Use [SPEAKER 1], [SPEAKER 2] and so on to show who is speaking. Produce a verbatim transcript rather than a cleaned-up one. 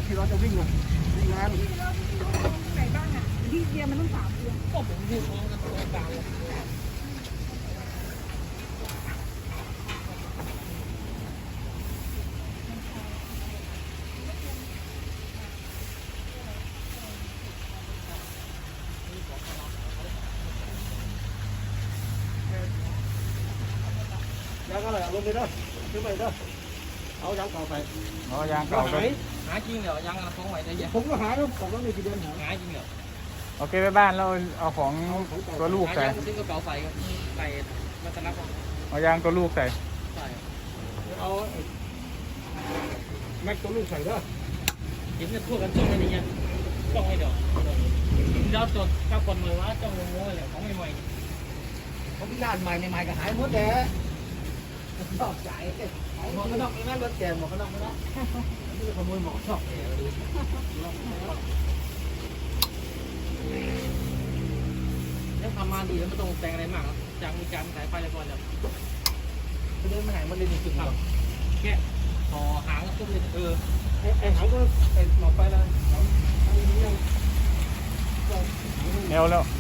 [SPEAKER 1] ที่เราจะวิ่งอ่ะวิ่งงาน
[SPEAKER 2] ไหนบ้างอ่ะที่เดียมันต้องสามเดือน
[SPEAKER 3] ก็ผมอยู่พร้อมกันตรงกลางเลย
[SPEAKER 1] แล้วก็เลยเอาลงไปด้วยขึ้นไปด้วยเอายางเก่าใส่
[SPEAKER 4] อ๋อยางเก่า
[SPEAKER 3] หา
[SPEAKER 4] เลย
[SPEAKER 3] ยหาจริงเหรอยังกระท้องไหวได้ยัง
[SPEAKER 1] ผมก็หาแล้วผมก็มีกี่เดือนหา
[SPEAKER 3] หาจริงเหรอ
[SPEAKER 4] โอเคไปบ้านแล้วเอาของตัวลูก
[SPEAKER 3] หา
[SPEAKER 4] ใส่
[SPEAKER 3] ยังซื้อกระเป๋าใส่กันใส่มาสนับ
[SPEAKER 4] เอายางตัวลูกใส่
[SPEAKER 3] ใส่
[SPEAKER 1] เอาแม็กตัวลูกใส่ด้วย
[SPEAKER 3] เห็นกันทั่วกันจ้องอะไรเงี้ยจ้องให้เดี๋ยวเดี๋ยวจดข้าวคนมือว่าจ้องงงๆเลยของใหม่
[SPEAKER 1] ผมพิการใหม่ใหม่ก็หายหมดแล้วชอบใจหมวกกันน็อกนั่นรถแกหมวกกันน็อกนั่นนี่ขโมยหมวกชอบ
[SPEAKER 3] ๆแล้วทำมาดีแล้วไม่ต้องแต่งอะไรมากจากมีการสายไฟอะไรก่อนเลย
[SPEAKER 1] เดินมาไหนมันเลยมีจุดหรอ
[SPEAKER 3] แค่ห่อหางก็ตุ้มเลยเออ
[SPEAKER 1] ไอ้ไอ้หางก็ไอ้หมอกไปแล้ว
[SPEAKER 4] แนวแล้ว